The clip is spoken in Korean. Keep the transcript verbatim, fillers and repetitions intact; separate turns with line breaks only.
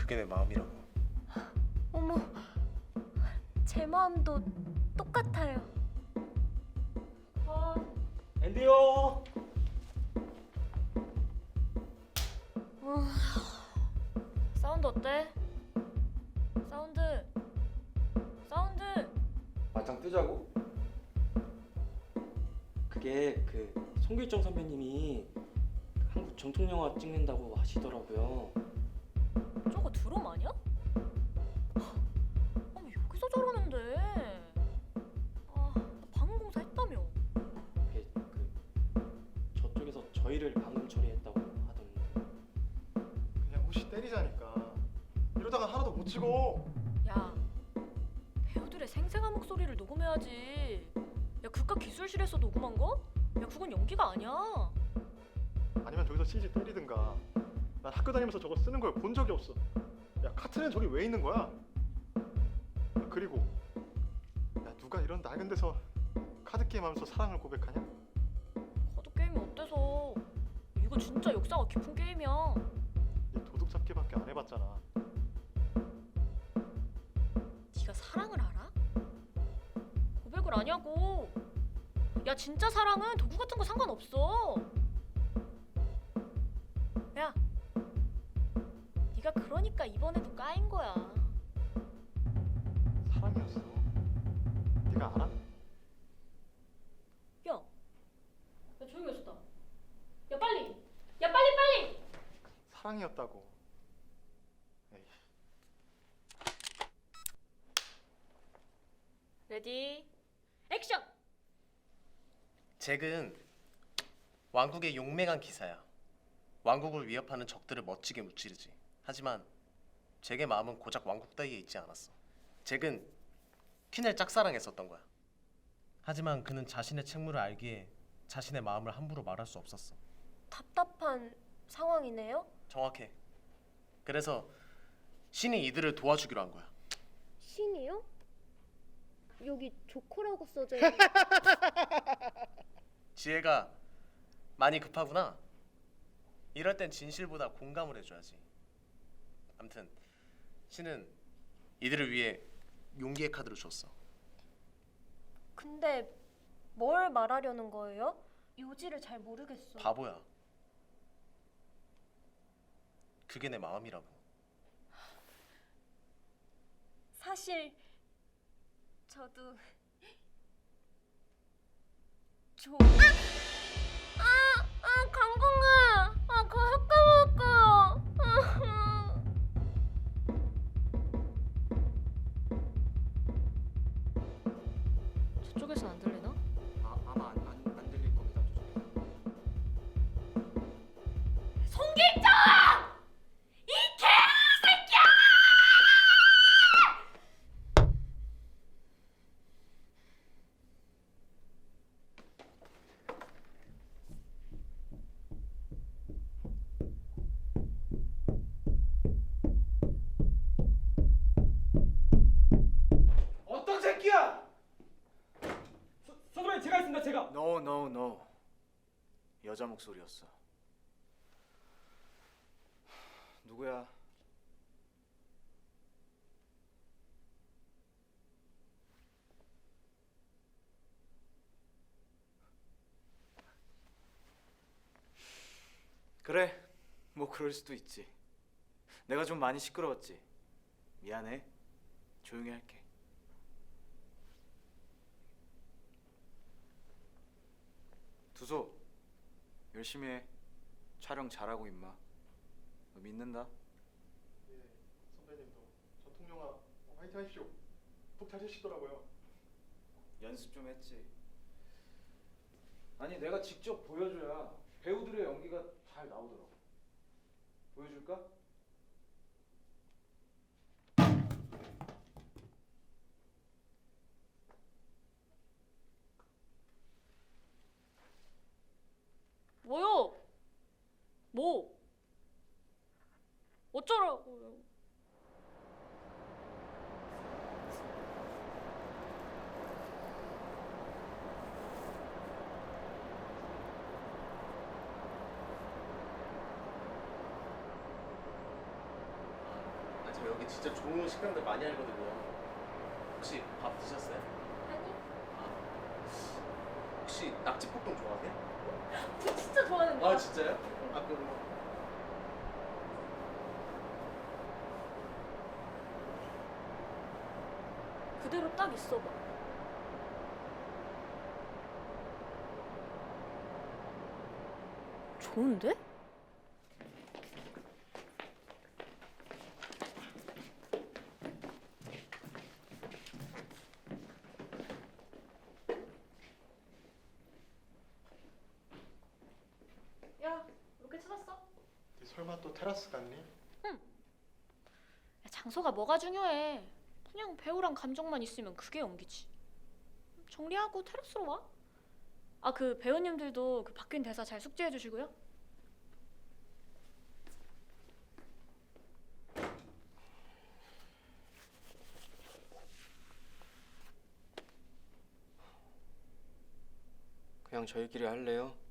그게 내 마음이라고.
어머, 제 마음도 똑같아요.
아, 앤디요.
어, 사운드 어때? 사운드, 사운드.
맞짱 뜨자고? 그게 그 송길정 선배님이 한국 정통 영화 찍는다고 하시더라고요.
저거 드럼 아니야? 아니 여기서 저러는데. 아, 나 방음 공사 했다며.
그게 그 저쪽에서 저희를 방금 처리했다고 하던데.
그냥 혹시 때리자니까. 이러다가 하나도 못 찍어.
야, 배우들의 생생한 목소리를 녹음해야지. 야, 그깟 기술실에서 녹음한 거? 야, 그건 연기가 아니야.
아니면 저기서 씨지 때리든가. 난 학교 다니면서 저거 쓰는 걸 본 적이 없어. 야, 카트는 저기 왜 있는 거야? 야, 그리고 야, 누가 이런 낡은 데서 카드 게임 하면서 사랑을 고백하냐?
카드 게임이 어때서? 이거 진짜 역사가 깊은 게임이야.
얘 도둑 잡기밖에 안 해봤잖아.
네가 사랑을 알아? 고백을 아냐고. 야, 진짜 사랑은 도구 같은 거 상관없어. 야, 네가 그러니까 이번에도 까인 거야.
사랑이었어. 네가 알아?
야, 야 조용히 해줬다. 야 빨리, 야 빨리 빨리.
사랑이었다고. 에이.
레디, 액션.
잭은 왕국의 용맹한 기사야. 왕국을 위협하는 적들을 멋지게 무찌르지. 하지만 잭의 마음은 고작 왕국 따위에 있지 않았어. 잭은 퀸을 짝사랑했었던 거야. 하지만 그는 자신의 책무를 알기에 자신의 마음을 함부로 말할 수 없었어.
답답한 상황이네요.
정확해. 그래서 신이 이들을 도와주기로 한 거야.
신이요? 여기 조커라고 써져 있는.
지혜가 많이 급하구나. 이럴 땐 진실보다 공감을 해줘야지. 아무튼 신은 이들을 위해 용기의 카드를 줬어.
근데 뭘 말하려는 거예요? 요지를 잘 모르겠어.
바보야. 그게 내 마음이라고.
사실 저도 좀. 아! 아! 아! 강공아! 아, 그거 학과 먹을까? 저쪽에선 안 들리나?
아, 아마 안, 안, 안 들릴 겁니다.
송길정! 이 개새끼야!
어떤 새끼야! 서, 선배님 제가 있습니다. 제가.
No, no, no. 여자 목소리였어. 누구야? 그래, 뭐 그럴 수도 있지. 내가 좀 많이 시끄러웠지. 미안해. 조용히 할게. 두소, 열심히 해. 촬영 잘하고 임마. 너 믿는다.
예, 선배님도 전통 영화 화이팅 하십시오. 푹 자시더라고요.
연습 좀 했지. 아니 내가 직접 보여줘야 배우들의 연기가 잘 나오더라고. 보여줄까?
뭐요? 뭐? 어쩌라고요?
여기 진짜 좋은 식당들 많이 알거든요. 혹시 밥 드셨어요?
아니,
아, 혹시 낙지볶음 좋아하세요?
저 진짜 좋아하는데.
아 진짜요? 아 그럼
그대로 딱 있어봐. 좋은데? 야, 로켓 찾았어?
네 설마 또 테라스 갔니?
야, 장소가 뭐가 중요해? 그냥 배우랑 감정만 있으면 그게 연기지. 정리하고 테라스로 와. 아, 그 배우님들도 그 바뀐 대사 잘 숙지해 주시고요.
그냥 저희끼리 할래요?